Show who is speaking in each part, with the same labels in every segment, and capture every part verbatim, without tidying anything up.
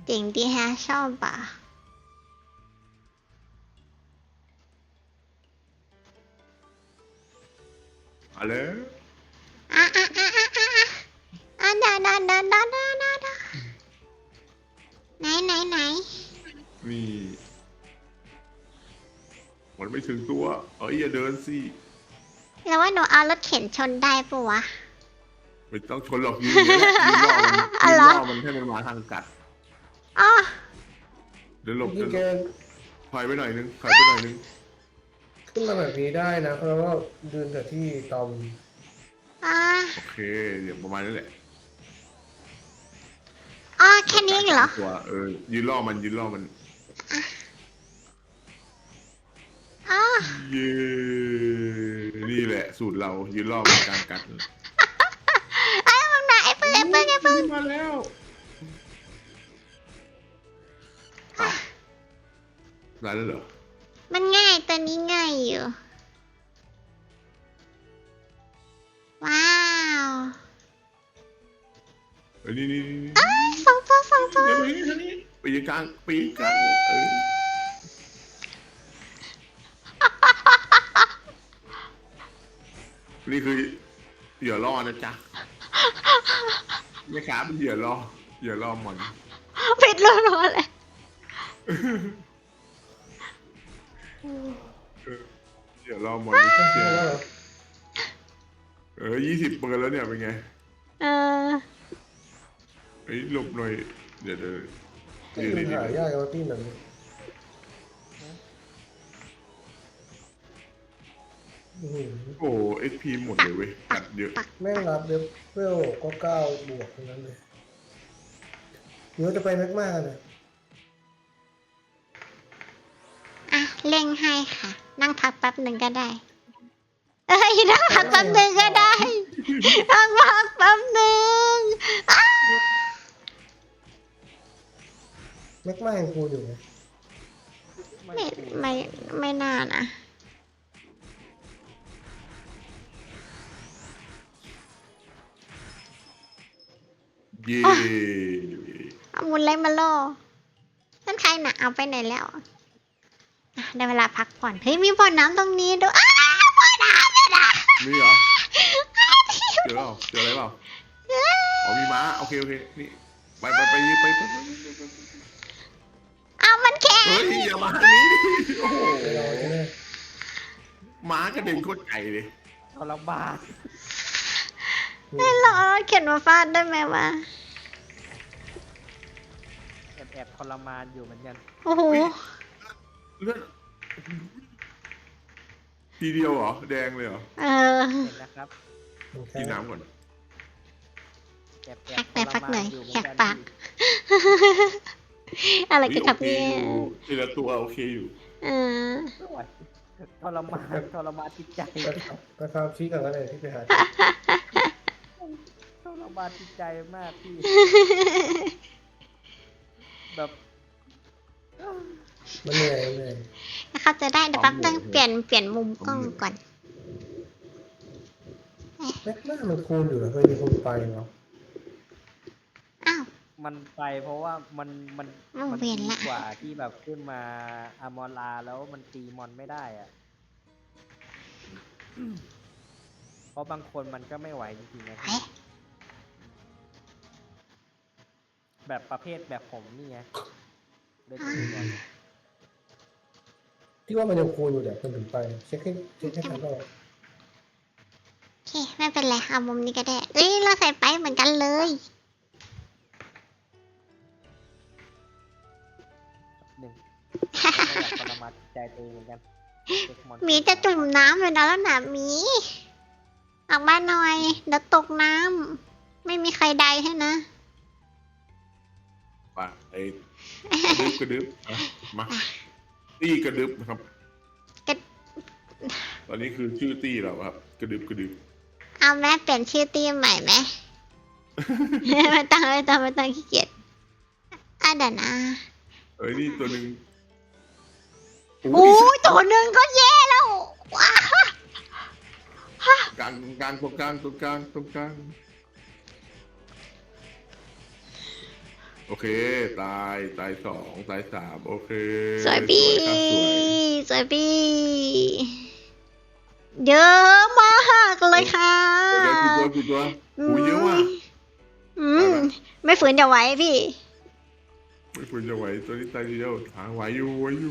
Speaker 1: จริงดีฮะชอบป่ะ
Speaker 2: มาเลย
Speaker 1: อ่ะอ่ะอ่ะอ่ะอ่ะอ่ะดาดาดาดาดาดาดาไหนไหนไหน
Speaker 2: นี่มันไม่ถึงตัวเอ้ยอย่าเดินสิ
Speaker 1: แล้วว่าหนูเอารถเข็นชนได้ปะวะ
Speaker 2: ไม่ต้องชนหรอกยืนอย่างนี้แหละยืนล่อมัน
Speaker 1: อ๋อ
Speaker 2: ยืน
Speaker 1: เหรอ
Speaker 2: ล่อมันให้มันมาทางกัด
Speaker 1: อ๋อ
Speaker 2: เดินหลบ
Speaker 3: นี่
Speaker 2: เดินห
Speaker 3: แก
Speaker 2: ลบถอยไปหน่อยนึงถอยไปหน่อยนึง
Speaker 3: ขึ้นมาแบบนี้ได้นะเพราะว่ายืนกับที่ตอม
Speaker 1: อ่ะ
Speaker 2: โอเคเดี๋ยวประมาณนี้แหละ
Speaker 1: อ๋อแค่นี้เหรอ
Speaker 2: ตัวเออยืนล่อมันยืนล่อมัน
Speaker 1: อ๋อ
Speaker 2: เย้นี่แหละสูตรเรายืนล่อมันกลางกัด
Speaker 1: ไอ้ยมันมาไอ้ปืนไอ้ปืนไอ้ปืน
Speaker 2: มาแล้วอ้าวได้แล้วเหรอ
Speaker 1: มันง่ายตัวนี้ง่ายอยู่ว้าว
Speaker 2: เอ้ยนี่นี่นี่นี่
Speaker 1: เอ้ยสองตัวสองตัว
Speaker 2: เดี๋ยวไปนี่ทางนี้ไปยืนกลางไปยืนกลางเออนี่คือเหยื่อล่อนะจ๊ะแม่ค้าเป็นเหยื่อล่อเหยื่อล่อหมอน
Speaker 1: ผิดรัวๆเลย
Speaker 2: เหยื่อล่อหมอน
Speaker 3: เพ
Speaker 2: เชี่ย
Speaker 3: ราะว่า
Speaker 2: เออยี่สิบเปิดแล้วเนี่ยเป็นไง
Speaker 1: เออ
Speaker 2: เฮ้ยหลบหน่อยเดี๋ยวเดี๋ยว
Speaker 3: ที่
Speaker 2: ยืน
Speaker 3: มัน
Speaker 2: ดี
Speaker 3: หายากว่าที่แบบนี้อื้อหือ
Speaker 2: ๆโอ้เอ็กพีหมดเลยเว้ยกัดเยอะ
Speaker 3: แม่งรับเดฟเวลก็เก้าบวกทั้งนั้นเลยเดี๋ยวจะไปแม็กมาเนี่ย
Speaker 1: อ่ะเร่งให้ค่ะ นั่งพักแป๊บหนึ่งก็ได้ เอ้ยนั่งพักแป๊บหนึ่งก็ได้ นั่งพักแป๊บหนึ่งอ้า
Speaker 3: แม็กมายังคูอยู่ไหม
Speaker 1: ไม่ไม่ไม่น่านะ
Speaker 2: เย้
Speaker 1: เอามุนเล็กมาล่อนั่นใครน่ะเอาไปไหนแล้วอ่ะได้เวลาพักผ่อน เฮ้ยมีบ่อน้ำตรงนี้ด้วยอ้าวบ่อน้ำเลยนะ
Speaker 2: มีเหรอเจอเปล่าเจออะไรเปล่าอ๋อมีม้าโอเคโอเคนี่ไปไปไปไปไปไปไป
Speaker 1: เอามันแข็ง
Speaker 2: เฮ้ยอย่ามาทางนี้ดิโอ้โห
Speaker 3: ไปรอใช่ไหม
Speaker 2: ม้ากระเด็นโคตรไกลเลย
Speaker 4: ทรมาน
Speaker 1: ไม่หรอกเข็นมาฟาดได้ไหมวะ
Speaker 4: แอบแอบทรมานอยู่เหมือนกัน
Speaker 1: โอ้โห
Speaker 2: เลือดทีเดียวเหรอแดงเลยเหรอ
Speaker 1: เออ
Speaker 4: เห็นนะครับ
Speaker 3: มันแค่
Speaker 2: กินน้ำก่อน
Speaker 4: แอบแอ
Speaker 1: พั
Speaker 4: บ
Speaker 1: กแต่
Speaker 4: ทร
Speaker 1: พักหน่
Speaker 4: มา
Speaker 1: อย
Speaker 4: นอยู่เหมื
Speaker 1: แห
Speaker 4: อน
Speaker 1: ก
Speaker 4: กัน
Speaker 1: ปาก อะไรกันครับ
Speaker 2: เฮ้ย
Speaker 1: เนี่ย
Speaker 2: โอเคอยู่ทีละตัวโอเคอยู่
Speaker 1: เออ
Speaker 4: ไม่ไหวทรมานทรมานจิตใจ
Speaker 3: ก็ก็ข้ามชี้กันก็ได้ที่ไปหา
Speaker 4: ทรมานจิตใจมากพี่ แบบ
Speaker 3: มันเหนื่อยมันเหนื่อย
Speaker 1: เขาจะได้เดี๋ยวแป๊บนึงเปลี่ยนเปลี่ยนมุมกล้องก่อน
Speaker 3: แม็กมามันคูณอยู่แล้วเคยมีคนไปเนาะ
Speaker 1: อ้าว
Speaker 4: มันไปเพราะว่ามันมัน
Speaker 1: อ้าว
Speaker 4: มั
Speaker 1: เวียน
Speaker 4: ดี
Speaker 1: ละ
Speaker 4: กว่าที่แบบขึ้นมาอามอลาแล้วมันตีมอนไม่ได้อะเพราะบางคนมันก็ไม่ไหวจริงๆนะ
Speaker 1: เฮ้ย
Speaker 4: แบบประเภทแบบผมนี่ไงเล่นตีมอน
Speaker 3: ที่ว่ามันยังคูณอยู่แต่คนถึงไปเช็คให้เช็คให้ทันรอบ
Speaker 1: โอเค ไม่เป็นไรเอามุมนี้ก็ได้ เอ้ย เราใส่ไปเหมือนกันเลย
Speaker 4: หนึ่งไม่อยากทรมานจิตใจตัวเองเหมือนกันเช็คอน
Speaker 1: หมีจะจุ่มน้ำเลยนะแล้วนะหมีออกมาหน่อย เดี๋ยวตกน้ำ ไม่มีใครใดให้นะ
Speaker 2: ไปไอ้กระดึบกระดึบอ่ะมาตี้กระดึบนะครับ
Speaker 1: กระ
Speaker 2: ตอนนี้คือชื่อตี้เราครับ กระดึบกระดึบ
Speaker 1: เอาแม่เปลี่ยนชื่อทีมใหม่ไหม ไม่ต้องไม่ต้องไม่ต้องขี้เกียจอ่ะเดี๋ยวนะ
Speaker 2: เอ้ยนี่ตัวหนึ่ง
Speaker 1: โอ้ยตัวหนึ่งก็แย่แล้วว้าก
Speaker 2: ลางกลางตรงกลางตรงกลางตรงกลางโอเค ตายตายสองตายสามโอเค
Speaker 1: สวยพี่
Speaker 2: ครับสวย
Speaker 1: สวยพี่เยอะมากเลยค่ะ
Speaker 2: เดี๋ยวกี่ตัวกี่ตัวหูเยอะว่ะ
Speaker 1: อืมไม่ฝืนจะไหวพี่
Speaker 2: ไม่ควรจะไหวตัวนี้ตายเดียวหาไหวอยู่ไหวอยู่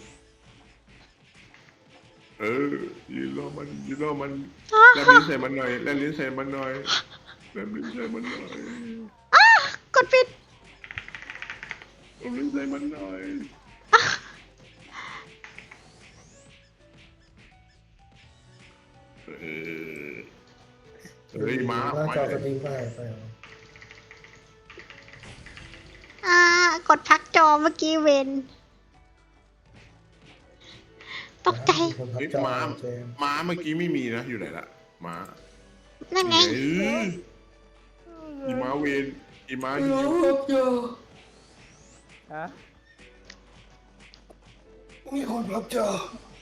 Speaker 2: เออยืนรอมันยืนรอมันแลบลิ้นใส่มันหน่อยแลบลิ้นใส่มันหน่อยแลบลิ้นใส่มันหน่อย
Speaker 1: กดปิด
Speaker 2: แลบลิ้นใส่มันหน่อยเออเฮ้ยมา
Speaker 3: หน้า
Speaker 2: ไป
Speaker 3: จอ
Speaker 2: เล
Speaker 3: ส
Speaker 2: ย
Speaker 3: ตรีมไปไปเอา
Speaker 1: อ่ากดพักจอเมื่อกี้เวนตกใจ
Speaker 3: คนพับ
Speaker 2: เฮ้ย
Speaker 3: จอ
Speaker 2: ม้า
Speaker 3: เจมส์
Speaker 2: ม้าเมื่อกี้ไม่มีนะอยู่ไหนละม้า
Speaker 1: นั่นไง
Speaker 2: เอออีม้าเวนอีม้ายิง
Speaker 4: ฮะ
Speaker 3: มีคนพับจอ